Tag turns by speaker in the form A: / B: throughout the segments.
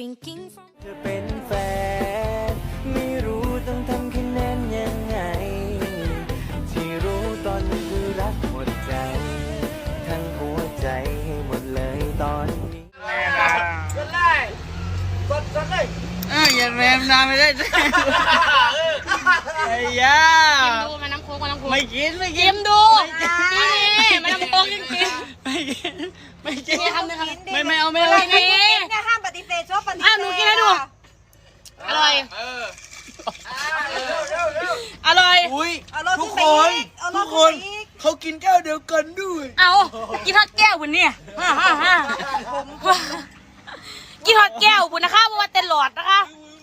A: drinking from
B: เธอเป็นแฟนไม่รู้ต้องทำคะแนนยังไงที่รู้ตอนนี้คือรักหมดใจทั้งหัวใจให้หมดเลยตอนนี้
C: อย่าแรมนานไม่ได้ไอ้ยา
D: ดูมาน้ำโค้กมาน้ำโค้ก
C: ไม่กินไม่กิ
D: กิ
C: น
D: มดูนี่มาน้ำโค้กจริง
C: ไม่กินไม่กิน
D: ๆนี่ทำเลยค่ะ
C: ไม่เอาไม่เอา
D: นี่
E: เนี่ยห้ามปฏิเสธชอบปฏิเสธ
D: หนูกินให้ดูอร่อยอร่อย
C: อุ้ย
E: เอารถ
C: ทุก
E: ขึ้น
C: ค
E: ไป
C: น
E: อีกเอาร
C: ทุ
E: ถ
C: ก
E: ขึ้
C: คน น
E: ไปอีก
C: เขากินแก้วเดียวกันด้วย
D: เอากินทอดแก้วบุญเนี่ยกินทอดแก้วบุญนะคะเพราะว่าเต็นหลอดนะคะ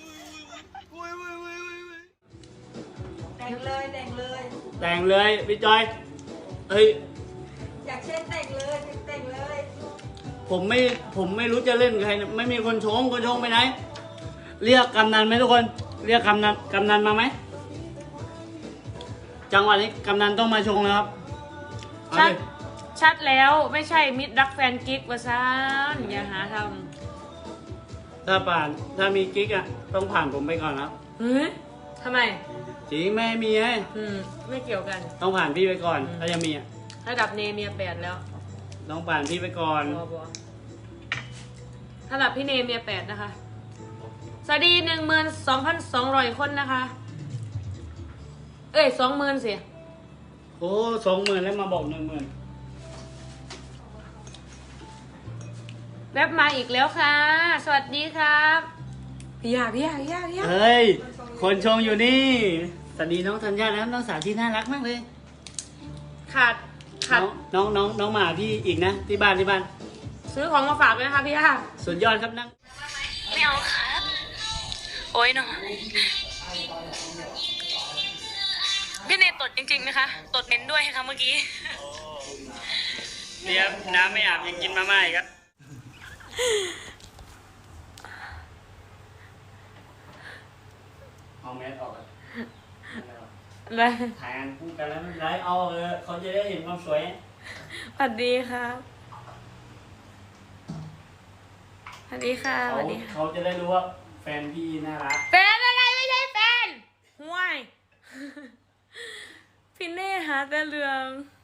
E: แต่งเลยแต่งเลย
C: แต่งเลยพี่จอยเฮ้ย
E: อยากเช่นแต่งเลยแต่งเลย
C: ผมไม่รู้จะเล่นกับใครนะไม่มีคนชงไปไหนเรียกกำนันไหมทุกคนเรียกกำนันมาไหมจังหวะนี้กำนันต้องมาชงนะครับเอา
D: ชัด
C: เลย
D: ชัดแล้วไม่ใช่มิตรรักแฟนกิ๊กวะซานอย่าหาท
C: ถ้ามีกิ๊กอ่ะต้องผ่านผมไปก่อนครับ
D: ำเฮ้ยทำไม
C: จริงแม่มีไง
D: ไม่เกี่ยวกัน
C: ต้องผ่านพี่ไปก่อนถ้ายังมีอ่ะ
D: ระดับเนเมีย8แล้ว
C: ต้องผ่านพี่ไปก่อน
D: บัวระดับพี่เนเมีย8นะคะสวัสดี12,200 คนนะคะ เอ้ย20,000สิ
C: โอ้20,000แล้วมาบอก10,000
D: แวบมาอีกแล้วค่ะ สวัสดีครับพี่ยา
C: เฮ้ยคนชงอยู่นี่สวัสดีน้องธัญญาแล้วน้องสาวที่น่ารักมากเลย
D: ขาด
C: น้องหมาพี่อีกนะที่บ้าน
D: ซื้อของมาฝากด้วยนะคะพี่ยา
C: สุดยอดครับนั่ง
D: ไม่เอาครับโอ้ยเนาะพี่เนตดจริงๆนะคะตดเม้นด้วยค่ะเมื่อกี้
C: เนี่ยน้ำไม่อาบยังกินมาม่าอีกครับเอาแมสออกก่อน
D: เลย
C: ถ่ายงานคู่กันแล้วไม่เป็นไรเอาเขาจะได้เห็นความสวย
D: สวัสดีครับสวัสดีค่ะสวัสดีค่ะ
C: เขาจะได้รู้ว่าแฟนพี่น่ารัก
D: แฟนอะไรไม่ใช่แฟนห่วย พี่เน่หาแต่เรื่อง